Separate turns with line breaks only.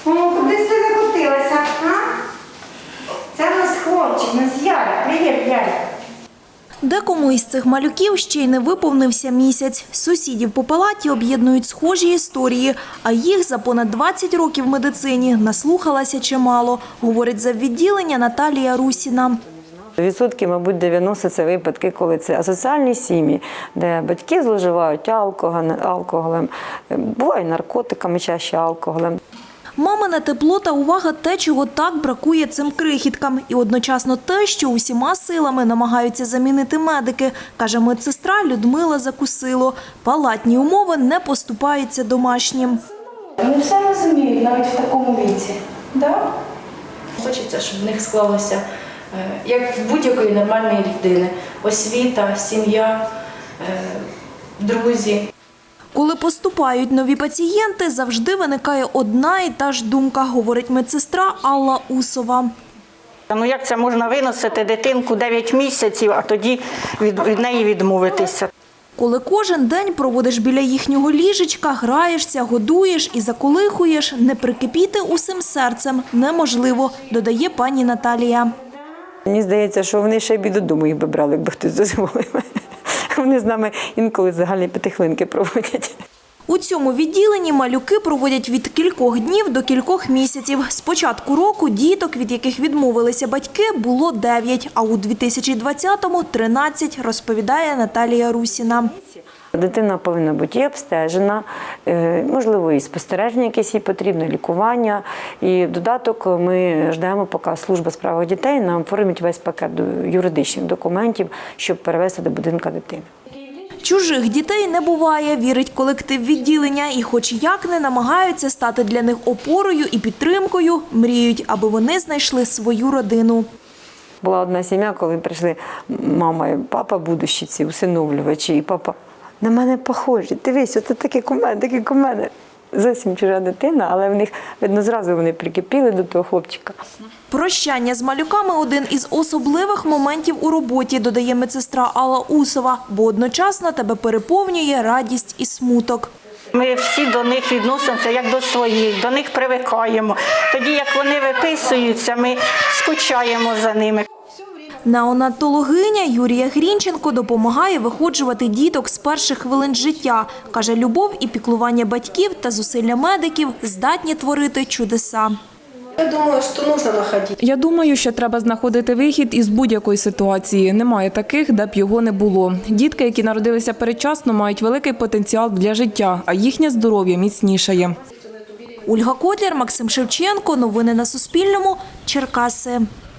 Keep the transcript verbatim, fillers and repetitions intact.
О, куди ти закотилася, а? Це в нас хлопчик, у нас Ярик. Привіт, Ярик.
Декому із цих малюків ще й не виповнився місяць. Сусідів по палаті об'єднують схожі історії, а їх за понад двадцять років в медицині наслухалася чимало, говорить заввідділення Наталія Русіна.
Відсотки, мабуть, дев'яносто – це випадки, коли це асоціальні сім'ї, де батьки зловживають алкоголем, буває наркотиками, чаще алкоголем.
Мамине тепло та увага – те, чого так бракує цим крихіткам. І одночасно те, що усіма силами намагаються замінити медики, каже медсестра Людмила Закусило. Палатні умови не поступаються домашнім.
Вони все розуміють, навіть в такому віці. Да? Хочеться, щоб в них склалося, як в будь-якої нормальної людини, освіта, сім'я, друзі.
Коли поступають нові пацієнти, завжди виникає одна і та ж думка, говорить медсестра Алла Усова.
Ну як це можна виносити дитинку дев'ять місяців, а тоді від, від неї відмовитися?
Коли кожен день проводиш біля їхнього ліжечка, граєшся, годуєш і заколихуєш, не прикипіти усім серцем неможливо, додає пані Наталія.
Мені здається, що вони ще й додому їх би брали, якби хтось дозволив. Вони з нами інколи загальні п'ятихвилинки проводять.
У цьому відділенні малюки проводять від кількох днів до кількох місяців. З початку року діток, від яких відмовилися батьки, було дев'ять, а у дві тисячі двадцятому – тринадцять, розповідає Наталія Русіна.
Дитина повинна бути і обстежена, можливо, і спостереження якесь їй потрібно, лікування. І в додаток ми ждемо, поки служба у справах дітей нам оформить весь пакет юридичних документів, щоб перевести до будинку дитини.
Чужих дітей не буває, вірить колектив відділення, і хоч як не намагаються стати для них опорою і підтримкою, мріють, аби вони знайшли свою родину.
Була одна сім'я, коли прийшли мама і папа, будущі ці усиновлювачі, і папа: на мене похожі, дивись, оце такі у мене, такі у мене. Зовсім чужа дитина, але в них, видно, зразу вони прикипіли до того хлопчика.
Прощання з малюками – один із особливих моментів у роботі, додає медсестра Алла Усова, бо одночасно тебе переповнює радість і смуток.
Ми всі до них відносимося як до своїх, до них привикаємо. Тоді, як вони виписуються, ми скучаємо за ними.
Неонатологиня Юрія Грінченко допомагає виходжувати діток з перших хвилин життя. Каже, любов і піклування батьків та зусилля медиків здатні творити чудеса.
Я думаю, що потрібно знаходити.
Я думаю, що треба знаходити вихід із будь-якої ситуації. Немає таких, де б його не було. Дітки, які народилися передчасно, мають великий потенціал для життя, а їхнє здоров'я міцнішає.
Ольга Котляр, Максим Шевченко. Новини на Суспільному. Черкаси.